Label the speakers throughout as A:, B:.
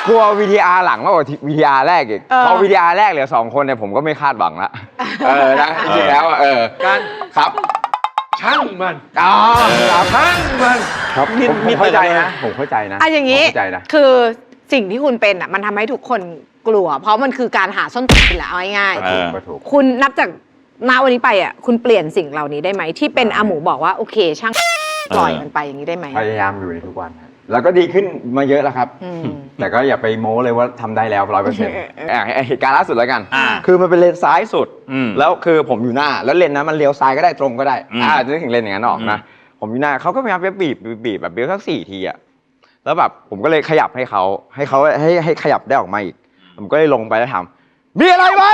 A: กลัว VTR หลังมากกว่า VTR แรกอีกพอ VTR แรกเหลือ2 คนเนี่ยผมก็ไม่คาดหวังละนะจริงๆแล้ว
B: การ
A: ครับ
B: ช่างมัน
A: ช่างมันครับผมเข้าใจนะ
C: อย่างนี้คือสิ่งที่คุณเป็นอ่ะมันทำให้ทุกคนกลัวเพราะมันคือการหาส้นตีนแหละเอาง่ายๆคุณนับจากณวันนี้ไปอ่ะคุณเปลี่ยนสิ่งเหล่านี้ได้ไหมที่เป็นอาหมูบอกว่าโอเคช่างปล่อยมันไปอย่างนี้ได้ไหม
A: พยายามอยู่ในทุกวันแล้วก็ดีขึ้นมาเยอะแล้วครับแต่ก็อย่าไปโม้เลยว่าทำได้แล้ว100%เหตุการณ์ล่าสุดแล้วกันคือมันเป็นเลนซ้ายสุดแล้วคือผมอยู่หน้าแล้วเลนนั้นมันเลี้ยวซ้ายก็ได้ตรงก็ได้จะนึกถึงเลนอย่างนั้นออกนะผมอยู่หน้าเขาก็พยายามบีบแบบเบี้ยวสัก4 ทีอะแล้วแบบผมก็เลยขยับให้เขาให้ขยับได้ออกมาอีกผมก็เลยลงไปแล้วถามมีอะไรไหม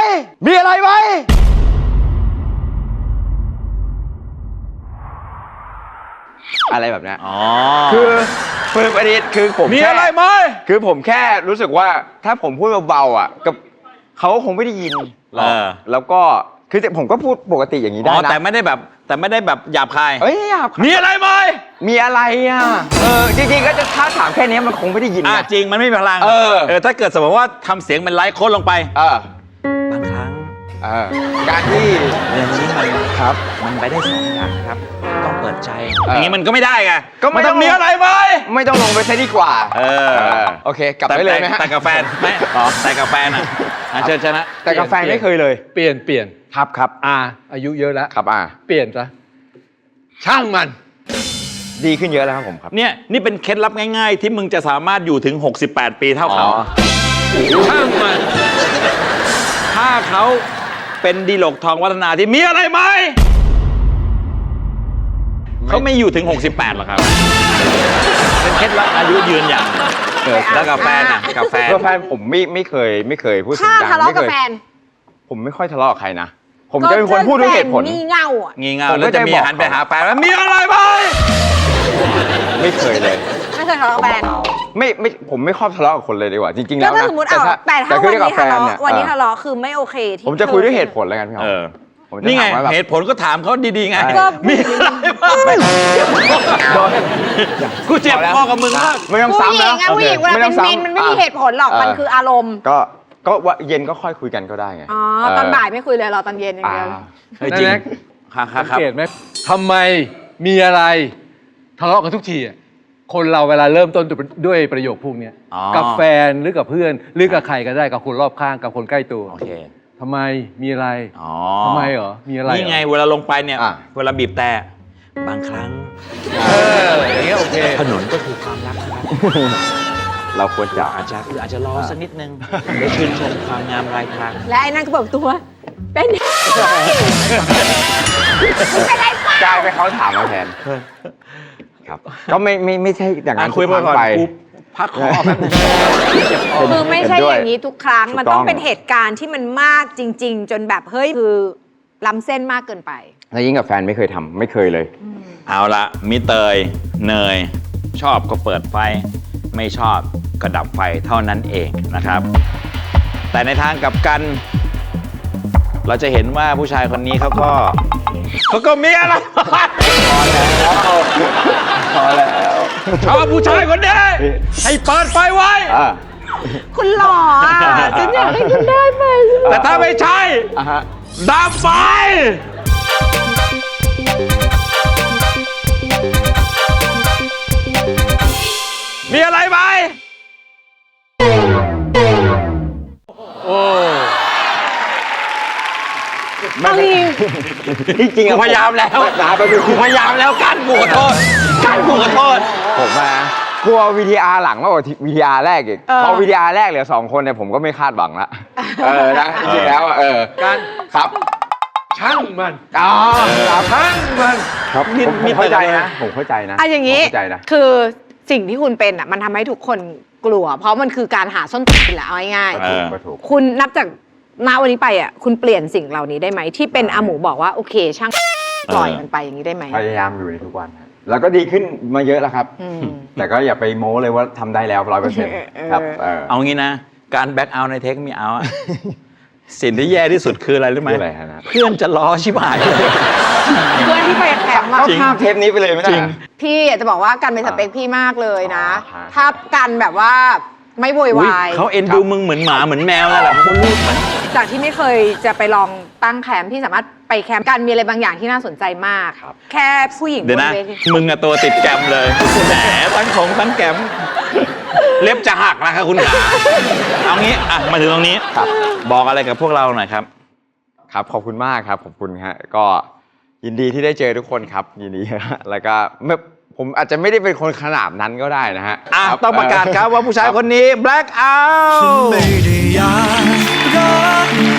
A: อะไรแบบนี้คือประเด็นคือผม
B: มีอะไรไหม
A: คือผมแค่รู้สึกว่าถ้าผมพูดเบาๆอ่ะกับเขาคงไม่ได้ยินหรอกแล้วก็คือผมก็พูดปกติอย่างนี้ได้นะ
B: แต่ไม่ได้แบบหยาบคาย
A: หยาบ
B: มีอะไรไหม
A: มีอะไรอ่ะจริงๆก็จะถ้าถามแค่นี้มันคงไม่ได้ยิน
B: จริงมันไม่มีพลังถ้าเกิดสมมติว่าทำเสียงเป็นไลฟ์โค้ดลงไปบางครั้ง
A: การที่
B: อย่างนี้มันไปได้2 อย่างครับต้องเปิดใจอย่างนี้มันก็ไม่ได้ไงก็ไม่ต้องมีอะไรไหม
A: ไม่ต้องลงไปซะดีกว่าโอเคกลับไปเลยไหมฮะ
B: แต่กาแฟนไม่แต่กาแฟนเชิญชนะ
A: แต่กาแฟไม่เคยเลย
B: เปลี่ยน
A: ครับ
B: อายุเยอะแล้ว
A: ครับ
B: เปลี่ยนซะช่างมัน
A: ดีขึ้นเยอะแล้วครับผมครับ
B: เนี่ยนี่เป็นเคล็ดลับง่ายๆที่มึงจะสามารถอยู่ถึง68 ปีเท่าเขาช่างมันถ้าเขาเป็นดีลกทองวัฒนาที่มีอะไรไหมเขาไม่อยู่ถึง68หรอกครับเป็นเคล็ดลับอายุยืนอย่างแล้วกาแฟ
A: ผมไม่เคยพูดเสียงดัง
C: ถ้าทะเลาะกับแฟน
A: ผมไม่ค่อยทะเลาะกับใครนะผมจะเป็นคนพูดด้วยเหตุผล
C: งี่เง่า
B: แล้วจะมีหันไปหาแฟนว่ามีอะไรไหม
A: ไม่เคยเลย
C: ไม่เคยทะเลาะกับแฟน
A: ผมไม่ชอบทะเลาะกับคนเลยดีกว่าจริงๆแล้วนะ
C: สมมติแต่ถ้าวันนี้ทะเลาะคือไม่โอเคที่
A: ผมจะคุยด้วยเหตุผลแล้วกันพี่
B: นี่ไงเหตุผลก็ถามเขาดีๆไงมีอะไรบ้างกูเจ็บพอกับมึงมาก
A: ไม่ต้องซ้ำแล้ว
C: ผู้หญิงเวลาเป็นมินมันไม่มีเหตุผลหรอกมันคืออารมณ์
A: ก็ว่าเย็นก็ค่อยคุยกันก็ได้ไง
C: ตอนบ่ายไม่คุยเลยรอตอนเย็นอย่างเดียว
B: จริงสังเกตไหมทำไมมีอะไรทะเลาะกันทุกทีคนเราเวลาเริ่มต้นด้วยประโยคพวกนี้กับแฟนหรือกับเพื่อนหรือกับใครก็ได้กับคนรอบข้างกับคนใกล้ตัวทำไมมีอะไรทำไมเหรอมีอะไรนี่ไงเวลาลงไปเนี่ยเวลาบีบแต่บางครั้งอย่างเงี้ยโอเคถนนก็คือความรักครับ
A: เราควรจะ
B: อาจจะรอสักนิดนึงเดี๋ยวชื่นชมความงามรายทาง
C: และไอ้นั่นก็บอกตัวเป็น
A: กลายไปเขาถามมาแทนครับก็ไม่ใช่อย่างนั้น
B: คุยไปพักคอ
C: คือไม่ใช่อย่างนี้ทุกครั้งมันต้องเป็นเหตุการณ์ที่มันมากจริงๆจนแบบเฮ้ยคือล้ำเส้นมากเกินไป
A: แล้วยิ่งกับแฟนไม่เคยทำไม่เคยเลย
B: เอาละมิเตยเนยชอบก็เปิดไฟไม่ชอบก็ดับไฟเท่านั้นเองนะครับแต่ในทางกลับกันเราจะเห็นว่าผู้ชายคนนี้เขาก็มีอะไร
A: พอแล้ว
B: ชอบผู้ชายคนนี้ให้เปิดไฟไว้
C: คุณหล่อฉันอยากให้คุณได้ไป
B: แต่ถ้าไม่ใช่ดับไฟมีอะไรไหม
A: จริงๆ
B: พยายามแล้วพยายามแล้วกันกูขอโทษ
A: ผมกลัว VTR หลังมากกว่า VTR แรกอีกพอ VTR แรกเหลือ2 คนเนี่ยผมก็ไม่คาดหวังละนะจริงๆแล้ว
B: การ
A: ครับ
B: ช่างมัน
A: ช่างมันครับผมเข้าใจนะ
C: อย่างนี้คือสิ่งที่คุณเป็นมันทำให้ทุกคนกลัวเพราะมันคือการหาส้นตีนแหละเอาง่ายๆคุณนับจากณวันนี้ไปคุณเปลี่ยนสิ่งเหล่านี้ได้ไหมที่เป็นอาหมูบอกว่าโอเคช่างปล่อยมันไปอย่างนี้ได้ไหม
A: พยายามอยู่ในทุกวันแล้วก็ดีขึ้นมาเยอะแล้วครับแต่ก็อย่าไปโม้เลยว่าทำได้แล้ว100%ครับ
B: เอางี้นะการแบ็คเอาท์ในเทคมีเอาสิ่งที่แย่ที่สุดคืออะไรรู้ไหมเพื่อนจะล้อชิบหาย
C: เพื่อนที่ไปแข่งมา
A: ข้ามเทปนี้ไปเลยไม่ได้
C: พี่อยากจะบอกว่ากันเป็นสเปคพี่มากเลยนะถ้ากันแบบว่าไม่โวยวาย
D: เขาเอ็นดูมึงเหมือนหมาเหมือนแมวนั่นแหละมึงลูกเหมือน
C: จากที่ไม่เคยจะไปลองตั้งแคมป์ที่สามารถไปแคมป์กันมีอะไรบางอย่างที่น่าสนใจมาก แค่ผู้หญิง
D: เดี๋ยวนะ
C: บนเวที
D: มึงอะตัวติดแกรมเลยแหมทั้งแกรมเล็บจะหักนะครับคุณขาเอางี้อ่ะมาถึงตรงนี้
A: ครับ
D: บอกอะไรกับพวกเราหน่อยครับ
A: ครับขอบคุณมากครับขอบคุณฮะก็ยินดีที่ได้เจอทุกคนครับยินดีฮะแล้วก็ผมอาจจะไม่ได้เป็นคนขนาดนั้นก็ได้นะฮะ
D: อ่ะต้องประกาศครับว่าผู้ชายคนนี้ Black Out
E: ไม่ได้อยากรัก